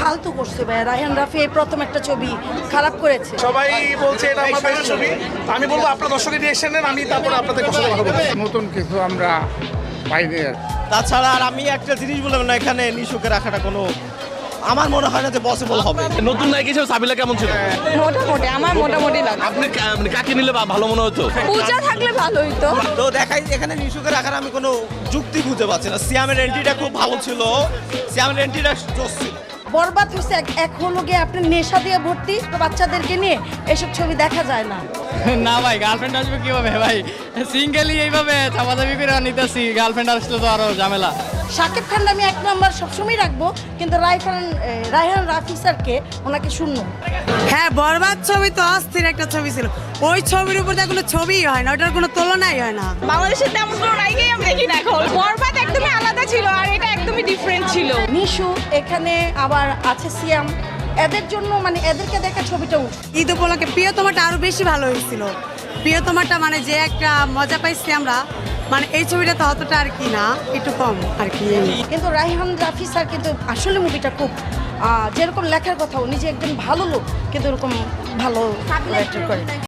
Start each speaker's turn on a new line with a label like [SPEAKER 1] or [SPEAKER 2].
[SPEAKER 1] ফালতু করছে ভাই। রায়হান রাফি এই প্রথম একটা ছবি খারাপ করেছে।
[SPEAKER 2] সবাই বলছে এটা আমার বেস্ট ছবি। আমি বলবো আপনার দর্শকের রিঅ্যাকশন নেন, আমি তারপরে আপনাদের কথা বলবো।
[SPEAKER 3] নতুন কিছু আমরা পাইনি আর।
[SPEAKER 4] তাছাড়া আর আমি একটা জিনিস বললাম না, এখানে নিশুকে রাখাটা কোনো আমার মনে হয় না যে পসিবল হবে।
[SPEAKER 5] নতুন নায়ক হিসেবে সাবিলা কেমন ছিল?
[SPEAKER 6] মোটামুটি আমার মোটামুটি লাগে।
[SPEAKER 5] আপনি মানে কাকে নিলে ভালো মনে হতো?
[SPEAKER 6] পূজা থাকলে ভালো হইতো।
[SPEAKER 4] তো দেখাই এখানে নিশুকে রাখার আমি কোনো যুক্তি খুঁজে পাচ্ছি না। সিয়ামের এন্ট্রিটা খুব ভালো ছিল, সিয়ামের এন্ট্রিটা জোস ছিল।
[SPEAKER 1] বরবাদ হচ্ছে এক হলো গিয়ে আপনি নেশা দিয়ে ভর্তি, তো বাচ্চাদেরকে নিয়ে এসব ছবি দেখা যায় না।
[SPEAKER 7] না ভাই, গার্লফ্রেন্ড আসবে কিভাবে ভাই? সিঙ্গেলই এইভাবে চাপাচাপি করে নিতেছি, গার্লফ্রেন্ড আসলে তো আরো ঝামেলা।
[SPEAKER 1] শাকিব খান আমি 1 নম্বর সবসময় রাখবো, কিন্তু রায়হান রাফি স্যারকে ওনাকে শূন্য।
[SPEAKER 8] হ্যাঁ, বরবাদ ছবি তো অস্থির একটা ছবি ছিল। ওই ছবির উপর কোনো ছবিই হয় না, ওটার কোনো তুলনাই হয় না।
[SPEAKER 6] বাংলাদেশের তেমন কোনো নায়িকাই আমি দেখি না এখন। বরবাদ একদমই আলাদা ছিল আর এটা একদমই ডিফারেন্ট ছিল।
[SPEAKER 1] নিশু এখানে আবার আছে সিয়াম, এদের জন্য মানে এদেরকে দেখা ছবিটা উঠছে।
[SPEAKER 8] ঈদ উপলক্ষে প্রিয়তমাটা আরো বেশি ভালো হয়েছিল। প্রিয়তমাটা মানে যে একটা মজা পাইছি আমরা, মানে এই ছবিটা তো অতটা আর কি না, একটু কম আর কি।
[SPEAKER 1] কিন্তু রায়হান রাফি স্যার কিন্তু আসলে মুভিটা খুব যেরকম লেখার কথা, উনি যে একজন ভালো লোক, কিন্তু এরকম ভালো অ্যাক্টর করে।